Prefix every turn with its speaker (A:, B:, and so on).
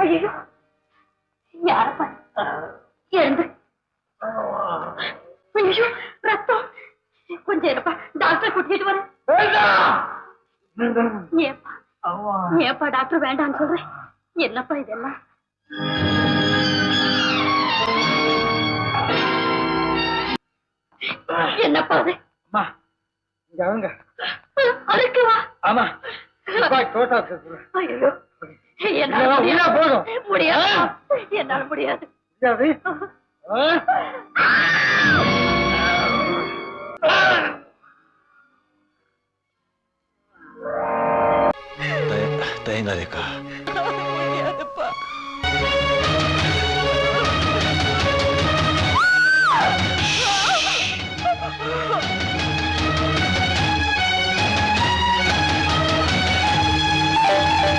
A: ஐயோ யாரப்பா எழுந்து. ஐயோ ரத்தம். கொஞ்சம் இருப்பா, டாக்டரை கூட்டிட்டு வரேன். ஏப்பா டாக்டர் வேண்டான்னு சொல்றேன். என்னப்பா இதெல்லாம்? என்னப்பா அது? அதுக்கு வா. ஆமா ஐயோ என்னால முடியாது. என்னால முடியாது.
B: தயங்காதேக்கா.